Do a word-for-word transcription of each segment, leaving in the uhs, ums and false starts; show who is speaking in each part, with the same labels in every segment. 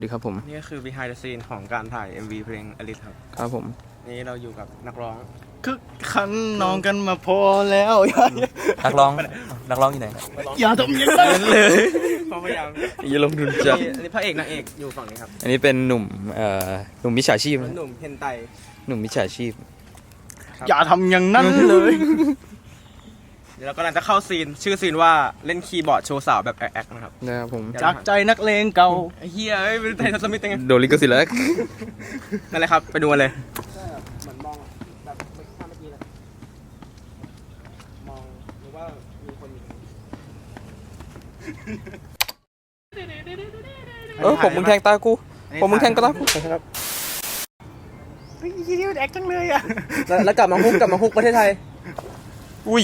Speaker 1: ดีครับผม
Speaker 2: นี่ก็คือ behind the scene ของการถ่าย เอ็ม วี เพลง Alice ครับ
Speaker 1: ครับผม
Speaker 2: นี่เราอยู่กับนักร้อง
Speaker 3: คึกคันน้องกันมาพอแล้ว
Speaker 1: นักร้องนักร้องอยู่ไหน
Speaker 3: อย่าทำอย่างนั้นเลย
Speaker 2: พยายาม
Speaker 1: อย่าลงทุนจัด
Speaker 2: อันนี้พระเอกนางเอกอยู่ฝั่งนี้ครับ
Speaker 1: อันนี้เป็นหนุ่มเอ่อหนุ่มมิจฉาชีพ
Speaker 2: หนุ่มเฮนไต
Speaker 1: หนุ่มมิจฉาชีพ
Speaker 3: อย่าทำอย่างนั้นเลย
Speaker 2: เดี๋ยวเรากำลังจะเข้าซีนชื่อซีนว่าเล่นคีย์บอร์ดโชว์สาวแบบแอ๊กๆนะครับ
Speaker 1: นะครับผม
Speaker 3: จากใจนักเลงเก่า
Speaker 2: ไอ้เฮียเอ้ยเป็นไทยสมิธยังไง
Speaker 1: โดนลิขสิทธิ์แล้ว
Speaker 2: นั่นแหละครับไปดูกันเลยเหมือนมองแบบเมื่อกี้เลยมองหรือว่ามีคนอยู่
Speaker 1: เออผมมึงแทงตากูผมมึงแทงตากู
Speaker 2: ครับ
Speaker 3: เฮ้ยยี่นี่มันแอคจังเลยอ่ะ
Speaker 2: แล้วกลับมาฮุกกลับมาฮุกประเทศไทย
Speaker 1: อุ้ย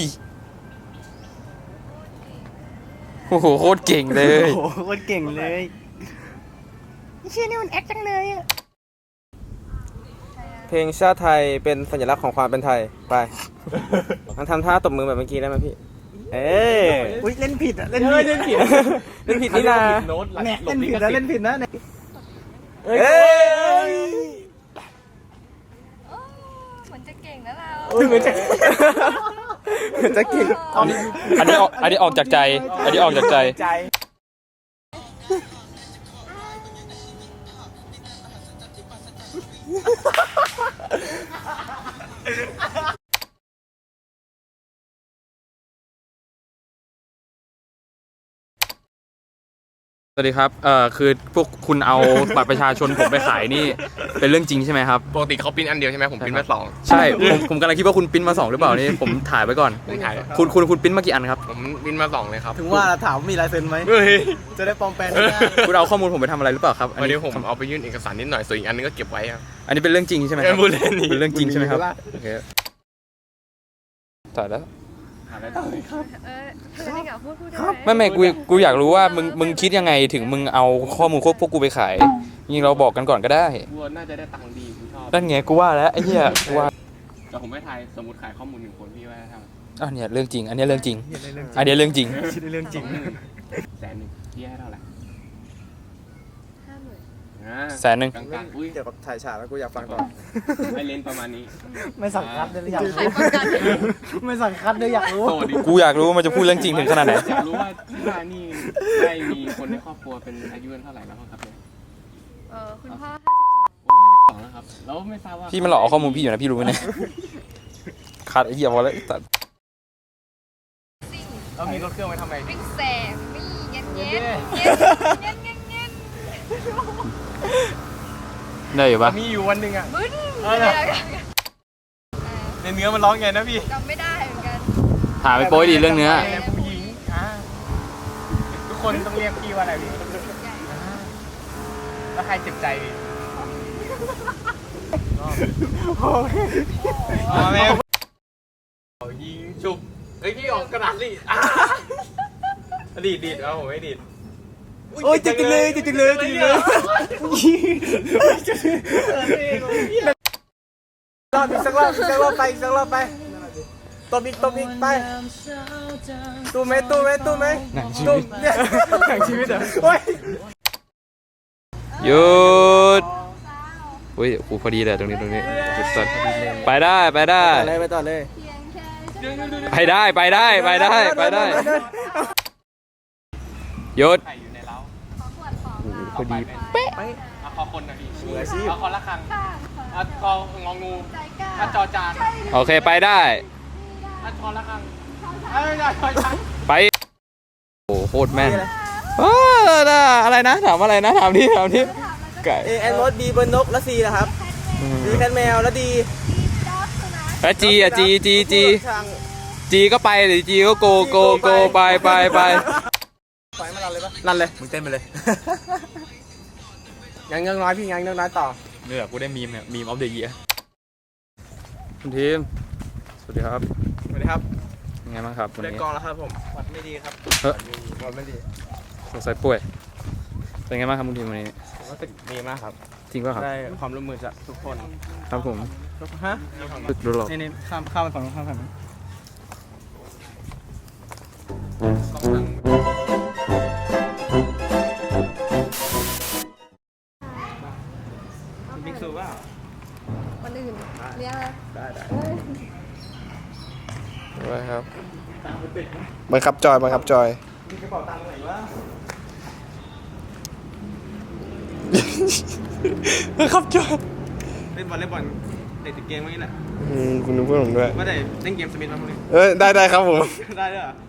Speaker 1: โอ้โหโคตรเก่งเลย
Speaker 3: โอ้โหโคตรเก่งเลยยี่นี่มันแอคจังเลยอ่ะ
Speaker 2: เพลงชาติไทยเป็นสัญลักษณ์ของความเป็นไทยไปมันทำท่าตบมือแบบเมื่อกี้ได้ไหมพี่เอ๊ะ
Speaker 3: อุ้ยเล่นผิดอ่ะเล่นผิด
Speaker 2: เล่นผิดเล่นผิดนี่นะ
Speaker 3: เนี่ยเล่นผิดนะเล่นผิดนะเนี่ย
Speaker 2: เอ้ย
Speaker 4: เหมือนจะเก่งนะเรา
Speaker 2: เหมือนจะเหมือนจะเก่ง
Speaker 1: อันนี้อันนี้ออกอันนี้ออกจากใจอันนี้ออกจากใจสวัสดีครับเอ่อคือพวกคุณเอาบัตรประชาชนผมไปขายนี่เป็นเรื่องจริงใช่ไหมครับ
Speaker 5: ปกติเขาปิ้นอันเดียวใช่ไหมผมปิ้นมาสอง
Speaker 1: ใช่ผมผมกำลังคิดว่าคุณปิ้นมาสองหรือเปล่านี่ผมถ่ายไว้ก่อน
Speaker 5: ผมถ่าย
Speaker 1: คุณคุณคุณปิ้นมากี่อันครับ
Speaker 5: ผมปิ้นมาสองเลยครับ
Speaker 3: ถึงว่าถามมีลายเซ็นไหมจะได้ปลอมแปลงได้
Speaker 1: คุณเอาข้อมูลผมไปทำอะไรหรือเปล่าครับ
Speaker 5: วันนี้ผมเอาไปยื่นเอกสารนิดหน่อยส่วนอีกอันนึงก็เก็บไว้ครับ
Speaker 1: อันนี้เป็นเรื่องจริงใช่ไหมครับ
Speaker 5: เป็น
Speaker 1: เรื่องจริงใช่ไหมครับโอเคถ่ายแล้ว
Speaker 4: เออเธอไม่กล่าวพูดพูดได้ไหม
Speaker 1: ไม่ไม่กูกูอยากรู้ว่ามึงมึงคิดยังไงถึงมึงเอาข้อมูลพวกกูไปขายยิงเราบอกกันก่อนก็ได้
Speaker 5: วัวน่าจะได้ตังค์ดีกูชอบ
Speaker 1: นั่นไงกูว่าแล้วไอ้เหี้ยกูว่า
Speaker 5: แต่ผมไม่ทายสมมติขายข้อมูลหนึ่งคนพี่ว่าทำ
Speaker 1: อ่ะเนี่ยเรื่องจริงอันนี้เรื่องจริงอันนี้เรื่องจริง
Speaker 3: เรื่องจริง
Speaker 5: แสนหนึ่งพี่ให้เท่าไหร่
Speaker 4: ห้าหมื่น
Speaker 1: แสนหนึ่ง
Speaker 2: เกี่ยวกับถ่ายฉากแล้วกูอยากฟังต่อ
Speaker 5: ให้เลนประมาณนี้
Speaker 3: ไม่สั่งคัดเลยอยากรู้ไม่สั่งคัดเลยอยากรู้
Speaker 1: กูอยากรู้มันจะพูดเรื่องจริงถึงขนาดไหน
Speaker 5: อยากรู้ว่าที่บ้านนี่ได้มีคนในครอบครัวเป็นอายุเท่าไหร่แล้วครับเนี่ย
Speaker 4: เออคุณพ่อ
Speaker 5: ห้าสิบสองแล้วครับแล้วไม่ทราบว่า
Speaker 1: พี่มันหลอกเอาข้อมูลพี่อยู่นะพี่รู้ไหมเนี่ยขาดไอ้เหี้ยพอแล้วตัด
Speaker 2: เรามีรถเครื่องไว้ทำไง
Speaker 4: วิ่งแสบวิ่งเงี้ยเงี้ยเงี้ยเงี้ยเงี้ยเงี้ย
Speaker 1: ได้อยู่ปะ
Speaker 2: มีอยู่วันหนึ่งอ่ะ
Speaker 4: บึ้น
Speaker 2: ในเนื้อมันร้องไงนะพี่
Speaker 4: จำไม่ได้เหมือนกัน
Speaker 1: ถามไปโป้ยดีเรื่องเนื้อ
Speaker 2: ผู้หญิงทุกคนต้องเรียกพี่ว่าอะไรพี่แล้วใครเจ็บใจพี่โอเคแม่ยิงชุบเฮ้ยพี่ออกกระดาษดิดีดดีดเอาผมไม่ดีดโอ้ยจิกเลยจิกเลยจิกเลยรอบอีกสักรอบอีกสักรอบไปอีกสักรอบไปตบอีกตบอีกไปตู้ไหมตู้ไหมตู้ไหมตู้เนี่ยหนังชีวิตเหรอโอ้ย
Speaker 1: หยุดอุ้ยกูพอดีเลยตรงนี้ตรงนี้สุดๆไปได้ไปได้
Speaker 2: ไปต่อเลย
Speaker 1: ไปได้ไปได้ไปได้ไปได้หยุดพอดีเป๊ะ
Speaker 5: เอาคอคนนะพี่เอาคอละครังเอาคององูเอาจอจาน
Speaker 1: โอเคไปได้
Speaker 5: เอาคอละครังเอาจอจาน
Speaker 1: ไปโอ้โคตรแม่นอะไรนะถามอะไรนะถามที่ถามที่
Speaker 2: ไก่เอแอนมดบีเบิร์นนกแล้วซีนะครับดีแคทแมวแล้วดี
Speaker 1: แล้วจีอ่ะจีจีจีจีก็ไปหรือจีก็โกโกโกไปไปไป
Speaker 2: ไปมาลันเลยปะลันเลยมึงเต้นไปเลยยังยังน้อยพี่ยังยังน้อยต่อ
Speaker 1: เนี่ยกูได้มีมเนี่ยมีมออฟเดอะเยียร์คุณทีมสวัสดีครับ
Speaker 2: สวัสดีครับ
Speaker 1: ยังไงบ้างครับวันนี้
Speaker 2: เล่นกองแล้วครับผมวัดไม่ดีครับ
Speaker 1: เฮ้ย
Speaker 2: วัดไม่ดี
Speaker 1: สงสัยป่วยเป็นไงบ้างครับคุณทีมวันนี้
Speaker 2: รู้สึกดีมากครับ
Speaker 1: จริงป่ะครับ
Speaker 2: ได้ความร่วมมือจากทุกคน
Speaker 1: ครับผม
Speaker 2: ฮะ
Speaker 1: ดูหรอ
Speaker 3: นี่ข้ามข้ามไปฝั่งนู้นข้ามฝั่งนู้น
Speaker 2: สู้เปล่า
Speaker 4: คนอื่นเรียกอะไร
Speaker 2: ได้ได้
Speaker 1: ไว้ครับ
Speaker 3: บังคับจอยบังคับจอย
Speaker 2: มีกระเป๋าตังค์ไหนวะ
Speaker 3: บังคับจอย
Speaker 2: เล่นบอลเล่นบอลเด็กติดเกมเมื่อกี้แหละ
Speaker 3: อืมคุณนึกเพื่อนผมด้วย
Speaker 2: ไม่ได้เล่นเกมสมิธมาพวกนี้
Speaker 3: เออได้ได้ครับผม
Speaker 2: ได้ด้วยเหรอ